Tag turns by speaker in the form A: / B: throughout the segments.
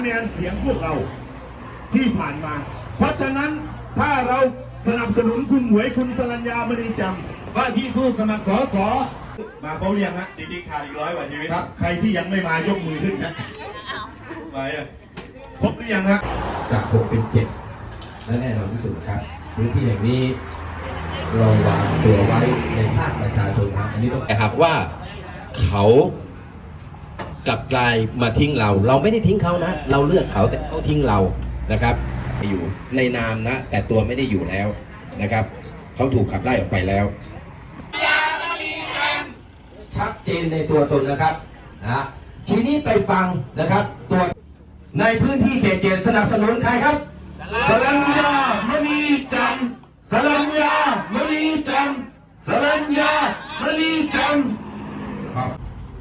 A: คะแนนเสียงพวกเราที่ผ่านมา เพราะฉะนั้นถ้าเราสนับสนุนคุณหมวยคุณสรัญญามณีจำว่าที่ผู้สมัครสสมาเขาเรียงฮะ
B: จริงๆขาดอีก100 กว่าชีวิต
A: ครับใครที่ยังไม่มายกมือขึ้นนะ
B: ไปอ่ะ
A: ครบหรือยังฮะ
C: จาก6เป็น7และแน่นอนที่สุดครับพื้นที่อย่างนี้เราวางตัวไว้ในภาคประชาชนครับอันนี้ต้องแต่หากว่าเขากลับกลายมาทิ้งเราไม่ได้ทิ้งเขานะเราเลือกเขาแต่เขาทิ้งเรานะครับอยู่ในนามนะแต่ตัวไม่ได้อยู่แล้วนะครับเขาถูกขับไล่ออกไปแล้วชัดเจนในตัวตนนะครับนะทีนี้ไปฟังนะครับตัวในพื้นที่เขตเจ็ดสนับสนุนใครครับ
A: สรัญญามณีจำสรัญญามณีจำสรัญญามณีจำครับ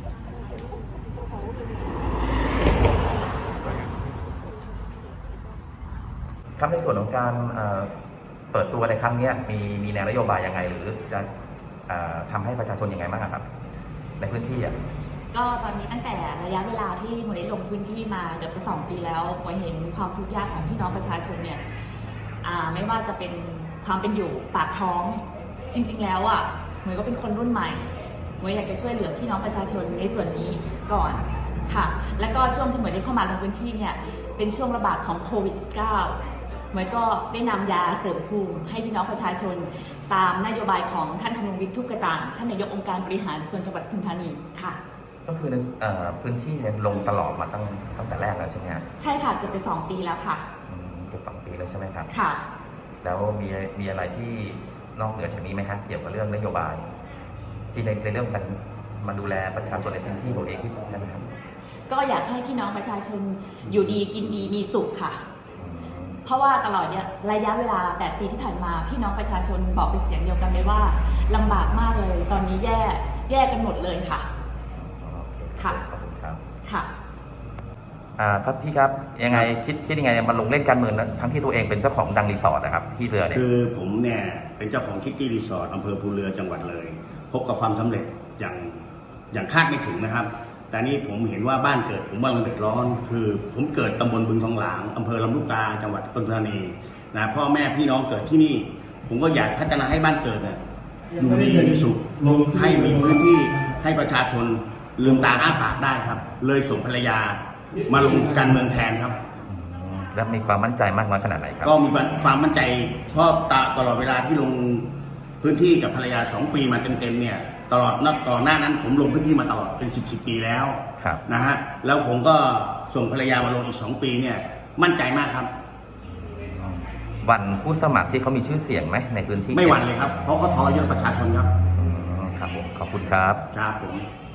D: ครับในส่วนของการเปิดตัวในครั้งนี้มีแนวนโยบายยังไงหรือจะทำให้ประชาชนยังไงบ้างครับในพื้นที่
E: ก็ตอนนี้ตั้งแต่ระยะเวลาที่หมวยได้ลงพื้นที่มาเกือบจะ2 ปีแล้วหมวยเห็นความทุกข์ยากของพี่น้องประชาชนเนี่ยไม่ว่าจะเป็นความเป็นอยู่ปากท้องจริงๆแล้วหมวยก็เป็นคนรุ่นใหม่หมวยอยากจะช่วยเหลือพี่น้องประชาชนในส่วนนี้ก่อนค่ะแล้วก็ช่วงที่หมวยได้เข้ามาลงพื้นที่เนี่ยเป็นช่วงระบาดของโควิด -19 หมวยก็ได้นำยาเสริมภูมิให้พี่น้องประชาชนตามนโยบายของท่านคำนุวิทย์ทุกกระจ่างท่านนายกองค์การบริหารส่วนจังหวัดปทุมธานีค่ะ
D: ก็คือในพื้นที่เนี่ยลงตลอดมาตั้งแต่แรกแล้วใช่ไหมครับ
E: ใช่ค่ะเกือบจะ2 ปีแล้วค่ะ
D: เกือบ2 ปีแล้วใช่ไหมครับ
E: ค่ะ
D: แล้วมีอะไรที่นอกเหนือจากนี้ไหมครับเกี่ยวกับเรื่องนโยบายที่ในเรื่องการมาดูแลประชาชนในพื้นที่ตัวเองที่นะครับ
E: ก็อยากให้พี่น้องประชาชนอยู่ดีกินดีมีสุขค่ะเพราะว่าตลอดระยะเวลา8 ปีที่ผ่านมาพี่น้องประชาชนบอกเป็นเสียงเดียวกันเลยว่าลำบากมากเลยตอนนี้แย่กันหมดเลยค่ะค่ะ
D: ขอบคุณครับ
E: ค่ะ
D: ครับพี่ครับยังไงคิดยังไงเนี่ยมันลงเล่นการเมืองทั้งที่ตัวเองเป็นเจ้าของดังรีสอร์ทนะครับที่เรือเนี่ย
A: คือผมเนี่ยเป็นเจ้าของคิตตี้รีสอร์ทอำเภอภูเรือจังหวัดเลยพบกับความสำเร็จอย่างคาดไม่ถึงนะครับแต่นี่ผมเห็นว่าบ้านเกิดผมกำลังเดือดร้อนคือผมเกิดตำบลบึงทองหลางอำเภอลำลูกกาจังหวัดปทุมธานีนะพ่อแม่พี่น้องเกิดที่นี่ผมก็อยากพัฒนาให้บ้านเกิดเนี่ยอยู่ดีมีสุขให้มีพื้นที่ให้ประชาชนลืมตาอ้าปากได้ครับเลยส่งภรรยามาลงการเมืองแทนครับ
D: แล้วมีความมั่นใจมากน้อยขนาดไหนครับ
A: ก็มีความมั่นใจเพราะตลอดเวลาที่ลงพื้นที่กับภรรยา2 ปีมาเต็มๆเนี่ยตลอดก่อนหน้านั้นผมลงพื้นที่มาตลอดเป็น10 ปีแล้วนะฮะแล้วผมก็ส่งภรรยามาลงอีก2 ปีเนี่ยมั่นใจมากครับ
D: วันผู้สมัครที่เขามีชื่อเสียงไหมในพื้นที่
A: ไม่หวั่นเลยครับเพราะเขาทรยศประชาชนครับ
D: ครับผมขอบคุณครับ
A: ครับผม